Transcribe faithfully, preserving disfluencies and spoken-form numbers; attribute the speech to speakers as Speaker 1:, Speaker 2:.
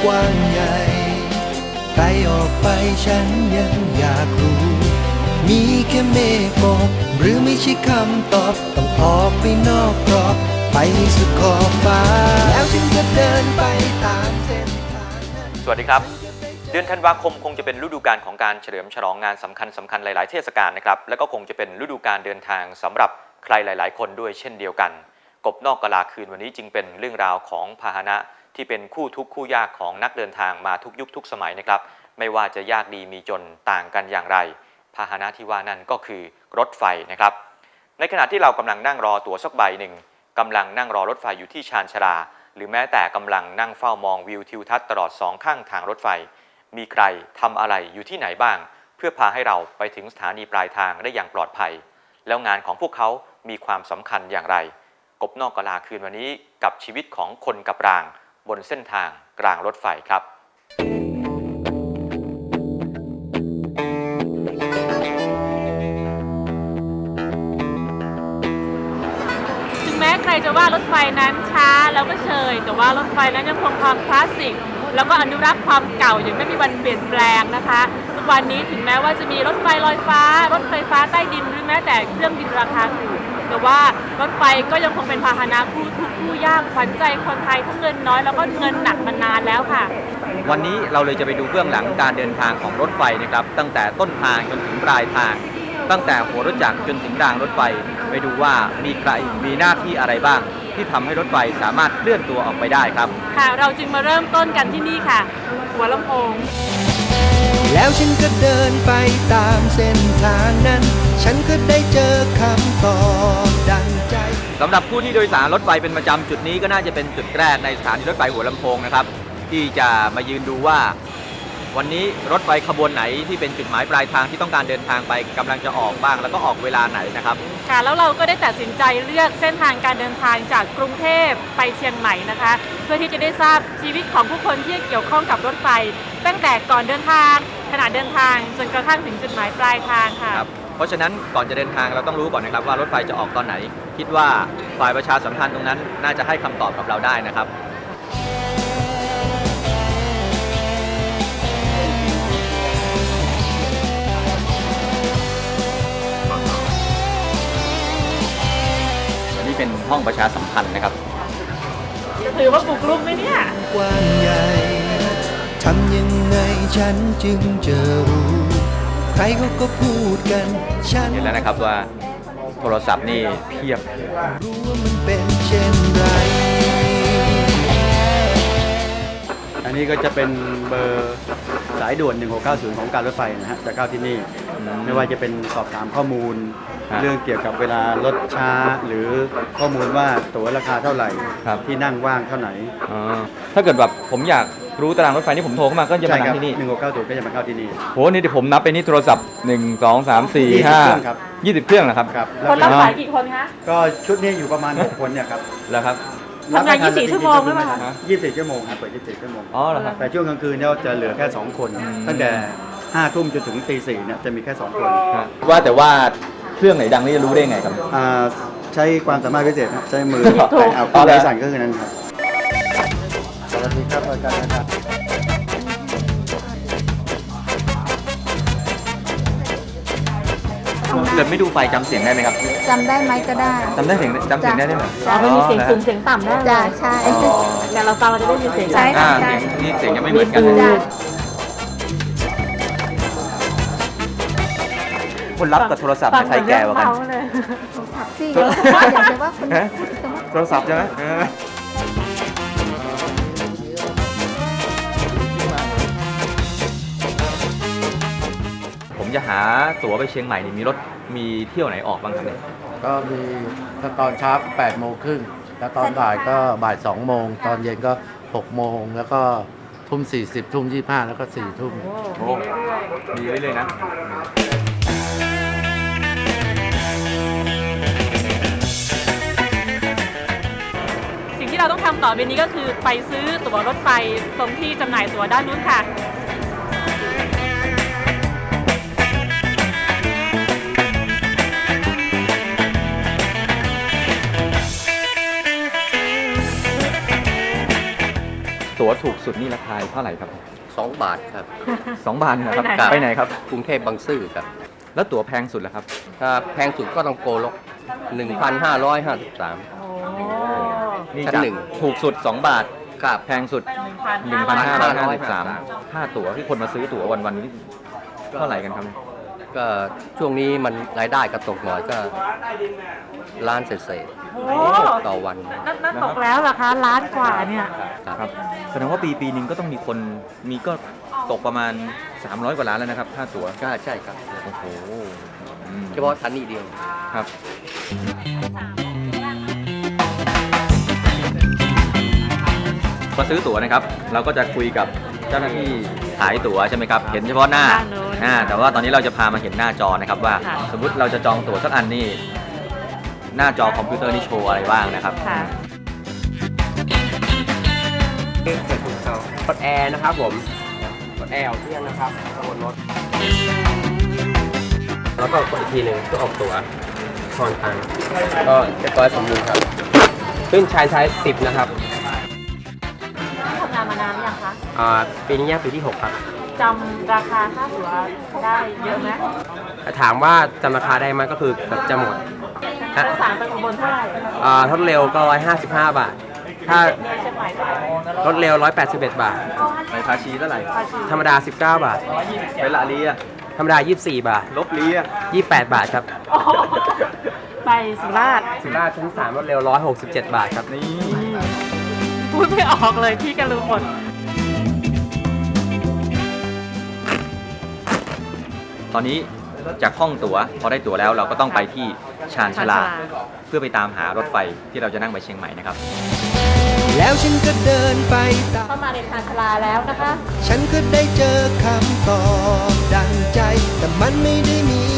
Speaker 1: กว้างใหญ่ไกลออกไปฉันยังอยากรู้มีแค่เมฆหมอกหรือไม่ใช่คำตอบต้องออกไปนอกกรอบไปสุดขอบฟ้าแล้วฉันจะเดินไปตามเส้นทางนั้น
Speaker 2: สวัสดีครับเดือนธันวาคมคงจะเป็นฤดูกาลของการเฉลิมฉลองงานสำคัญสำคัญหลายๆเทศกาลนะครับและก็คงจะเป็นฤดูกาลเดินทางสำหรับใครหลายๆคนด้วยเช่นเดียวกันกบนอกกะลาคืนวันนี้จึงเป็นเรื่องราวของพาหนะที่เป็นคู่ทุกข์คู่ยากของนักเดินทางมาทุกยุคทุกสมัยนะครับไม่ว่าจะยากดีมีจนต่างกันอย่างไรพาหนะที่ว่านั่นก็คือรถไฟนะครับในขณะที่เรากำลังนั่งรอตั๋วสักใบหนึ่งกำลังนั่งรอรถไฟอยู่ที่ชานชาลาหรือแม้แต่กำลังนั่งเฝ้ามองวิวทิวทัศน์ตลอดสองข้างทางรถไฟมีใครทำอะไรอยู่ที่ไหนบ้างเพื่อพาให้เราไปถึงสถานีปลายทางได้อย่างปลอดภัยแล้วงานของพวกเขามีความสำคัญอย่างไรกบนอกกะลาคืนวันนี้กับชีวิตของคนกับรางบนเส้นทางกลางรถไฟครับ
Speaker 3: ถึงแม้ใครจะว่ารถไฟนั้นช้าแล้วก็เชยแต่ว่ารถไฟนั้นยังคงความคลาสสิกแล้วก็อนุรักษ์ความเก่าอย่างไม่มีวันเปลี่ยนแปลงนะคะทุกวันนี้ถึงแม้ว่าจะมีรถไฟลอยฟ้ารถไฟฟ้าใต้ดินหรือแม้แต่เครื่องบินราคาถูกแต่ว่ารถไฟก็ยังคงเป็นพาหนะคู่ทุกข์คู่ยากขวัญใจคนไทยทั้งเงินน้อยแล้วก็เงินหนักมานานแล้วค่ะ
Speaker 2: วันนี้เราเลยจะไปดูเบื้องหลังการเดินทางของรถไฟนะครับตั้งแต่ต้นทางจนถึงปลายทางตั้งแต่หัวรถจักรจนถึงรางรถไฟไปดูว่ามีใครมีหน้าที่อะไรบ้างที่ทำให้รถไฟสามารถเคลื่อนตัวออกไปได้ครับ
Speaker 3: ค่ะเราจึงมาเริ่มต้นกันที่นี่ค่ะหัวลำโพง
Speaker 1: แล้วฉันก็เดินไปตามเส้นทางนั้นฉันก็ได้เจอคำตอบดังใจ
Speaker 2: สำหรับผู้ที่โดยสารรถไฟเป็นประจำจุดนี้ก็น่าจะเป็นจุดแรกในสถานีรถไฟหัวลำโพงนะครับที่จะมายืนดูว่าวันนี้รถไฟขบวนไหนที่เป็นจุดหมายปลายทางที่ต้องการเดินทางไปกำลังจะออกบ้างแล้วก็ออกเวลาไหนนะครับ
Speaker 3: ค่ะแล้วเราก็ได้ตัดสินใจเลือกเส้นทางการเดินทางจากกรุงเทพไปเชียงใหม่นะคะเพื่อที่จะได้ทราบชีวิตของผู้คนที่เกี่ยวข้องกับรถไฟตั้งแต่ก่อนเดินทางขณะเดินทางจนกระทั่งถึงจุดหมายปลายทางค่ะ
Speaker 2: ครับเพราะฉะนั้นก่อนจะเดินทางเราต้องรู้ก่อนนะครับว่ารถไฟจะออกตอนไหนคิดว่าฝ่ายประชาสัมพันธ์ตรงนั้นน่าจะให้คำตอบกับเราได้นะครับเป็นห้องประชาสัมพันธ์นะครับ
Speaker 3: ถือว่าบุกรุกไหมเนี่ย
Speaker 1: กว้างใหญ่ทำยังไงฉันจึงจะรู้ใครเขาก็พูดกันฉัน
Speaker 2: เห็นแล้วนะครับว่าโทรศัพท์นี่เพียบ
Speaker 1: รู้ว่ามันเป็นเช่นไร
Speaker 4: อันนี้ก็จะเป็นเบอร์สายด่วนหนึ่งหกเก้าศูนย์ของการรถไฟนะฮะจะเข้าที่นี่ไม่ว่าจะเป็นสอบถามข้อมูลเรื่องเกี่ยวกับเวลารถช้าหรือข้อมูลว่าตั๋วราคาเท่าไหร่ที่นั่งว่างเท่าไหร่
Speaker 2: ถ้าเกิดแบบผมอยากรู้ตารางรถไฟที่ผมโทรเข้ามาก็จะมาที่นี่
Speaker 4: หนึ่งหกเก้าศูนย์ก็จะมาเข้าที่นี่
Speaker 2: โหนี่เดี๋ยวผมนับไปนี่โทรศัพท์หนึ่ง สอง สาม สี่ ห้า ยี่สิบเครื่องนะครับ
Speaker 3: คนรับสายกี่คนคะ
Speaker 4: ก็ชุดนี้อยู่ประมาณหกคนเนี่ยครับ
Speaker 2: แล้วครับ
Speaker 3: ทำงานยี่สิบสี่ชั่วโมงหรือเปล่าคะ
Speaker 4: ยี่สิบสี่ชั่วโมงครับเปิดยี่สิบสี่ชั่วโมง
Speaker 2: อ๋อเหรอครับ
Speaker 4: แต่ช่วงกลางคืนเนี่ยจะเหลือแค่สองคนตั้งแต่ห้าทุ่มจนถึงตีสี่เนี่ยจะมีแค่สองคน
Speaker 2: ว่าแต่ว่าเครื่องไหนดังนี่จะรู้ได้ไงครับ
Speaker 4: ใช้ความสามารถพิเศษใช้มือแต่เอาข้อไหนสั่นก็คือนั้นครับสวัสดีครับอาจารย์นะครับ
Speaker 2: เกิดไม่ดูไฟจำเสียงได้ไหมครับ
Speaker 5: จำได้ไหมก็ได้
Speaker 2: จำได้เสียงจำเสียงได้ไหม
Speaker 3: อ๋อมันมีเสียงสูงเสียงต่ำได้
Speaker 5: จ้ะใช่
Speaker 3: แต่เราฟังเราจะได้ยินเสียง
Speaker 5: ใช่
Speaker 2: ค่ะนี่เสียงยังไม่เหมือนกันคนรับกับโทรศัพท์ใครแก่กว่ากัน
Speaker 5: โทรศัพท์สิอยากจะว่าคน
Speaker 2: โทรศัพท์ใช่ไหมผมจะหาตั๋วไปเชียงใหม่นี่มีรถมีเที่ยวไหนออกบ้างครับเนี่ย
Speaker 6: ก็มีถ้าตอนเช้าแปดโมงครึ่งแล้วตอนบ่ายก็บ่ายสองโมงตอนเย็นก็หกโมงแล้วก็ทุ่มสี่สิบทุ่มยี่ห้าแล้วก็สี่ทุ่ม
Speaker 2: โอ้มีไว้เลยนะ
Speaker 3: สิ่งที่เราต้องทำต่อไปนี้ก็คือไปซื้อตั๋วรถไฟตรงที่จำหน่ายตั๋วด้านนู้นค่ะ
Speaker 2: ผตั๋วถูกสุดนี่ราคาเท่าไหร่ครับ
Speaker 7: สองบาทครับ
Speaker 2: สองบาทนะครับ
Speaker 3: ไปไหน
Speaker 2: ไปไหนครับ
Speaker 7: กรุงเทพบางซื่อครับ
Speaker 2: แล้วตั๋วแพงสุดล่ะครับ
Speaker 7: ถ้าแพงสุดก็ต้องโกลก หนึ่งพันห้าร้อยห้าสิบสาม
Speaker 3: โอ้
Speaker 2: นี่
Speaker 7: ชั้น
Speaker 2: จาก
Speaker 7: หนึ่ง
Speaker 2: ถูกสุด สอง บาท
Speaker 7: ครับ
Speaker 2: แพงสุด
Speaker 3: หนึ่งพัน
Speaker 2: หนึ่งพัน
Speaker 3: ห้า
Speaker 2: ห้า
Speaker 3: ร้
Speaker 2: ร้
Speaker 3: อ
Speaker 2: อย ยห้าสิบสามค่าตั๋วที่คนมาซื้อตั๋ววันวันๆนี้เท่าไหร่กันครับ
Speaker 7: ก็ช่วงนี้มันรายได้กระตกหน่อยก็ล้านเศษ
Speaker 3: โอ้
Speaker 7: ๆต่อวัน
Speaker 3: นั่นนั่นตกแล้วเหรอคะล้านกว่าเนี่ย
Speaker 2: ครับแสดงว่าปีปีหนึ่งก็ต้องมีคนมีก็ตกประมาณ สามร้อย กว่าล้านแล้วนะครับค่าตั๋ว
Speaker 7: ก็ใช่ครับ
Speaker 2: โอ้โหอืม
Speaker 7: เฉพาะทันนี้เดียว
Speaker 2: ครับมาซื้อตั๋วนะครับ เราก็จะคุยกับเจ้าหน้าที่ขายตั๋วใช่ไหมครับ เห็นเฉพาะหน้า
Speaker 3: ด้านนู้น
Speaker 2: อ่าแต่ว่าตอนนี้เราจะพามาเห็นหน้าจอนะครับว่า
Speaker 3: ค่ะ
Speaker 2: สมมุติเราจะจองตั๋วสักอันนี่หน้าจอคอมพิวเตอร์นี่โชว์อะไรบ้างนะครับ
Speaker 3: ค่ะ
Speaker 8: กดแอร์นะครับผมกดแอร์ออกเที่ยงนะครับบนรถแล้วก็กดอีกทีหนึ่งเพื่อออกตั๋วทอนตังค์ก็เรียบร้อยสมบูรณ์ครับขึ้นชายไซส์สิบนะครับ
Speaker 3: ทำงานมานานหรือยังคะ
Speaker 8: อ่าปีนี้ย่างปีที่หกครับ
Speaker 3: จำราคาค่าตั๋วได้เยอะไหม
Speaker 8: ถามว่าจำราคาได้ไหมก็คือเกือบจะหมด
Speaker 3: โดยสารไปอุบลเท่าไหร่
Speaker 8: อ่ารถเร็วก็ร้อยห้าสิบห้าบาท ถ้า
Speaker 3: เนี่ยเชียงใหม่เท่าไหร่
Speaker 8: รถเร็วร้อยแปดสิบเอ็ดบาท
Speaker 2: ไปภาชีเท่าไหร่
Speaker 3: ภาษี
Speaker 8: ธรรมดาสิบเก้าบาท
Speaker 2: ไปละลีอะ
Speaker 8: ธรรมดายี่สิบสี่บาท
Speaker 2: ลบลีอะ
Speaker 8: ยี่สิบแปดบาทครับ
Speaker 3: โอ้โหไปสุราษฎร์
Speaker 8: สุราษฎร์ชั้นสามรถเร็วร้อยหกสิบเจ็ดบาทครับ
Speaker 2: นี่
Speaker 3: พูดไม่ออกเลยพี่กันรู้หมด
Speaker 2: ตอนนี้จากห้องตั๋วพอได้ตั๋วแล้วเราก็ต้องไปที่ชานชาลา
Speaker 3: ชานชาลา
Speaker 2: เพื่อไปตามหารถไฟที่เราจะนั่งไปเชียงใหม่นะครับ
Speaker 1: แล้วฉันก็เดินไปตาม
Speaker 3: เข้ามาในชานชาลาแล้วนะคะ
Speaker 1: ฉันก็ได้เจอคำตอบดังใจ แต่มันไม่ได้มี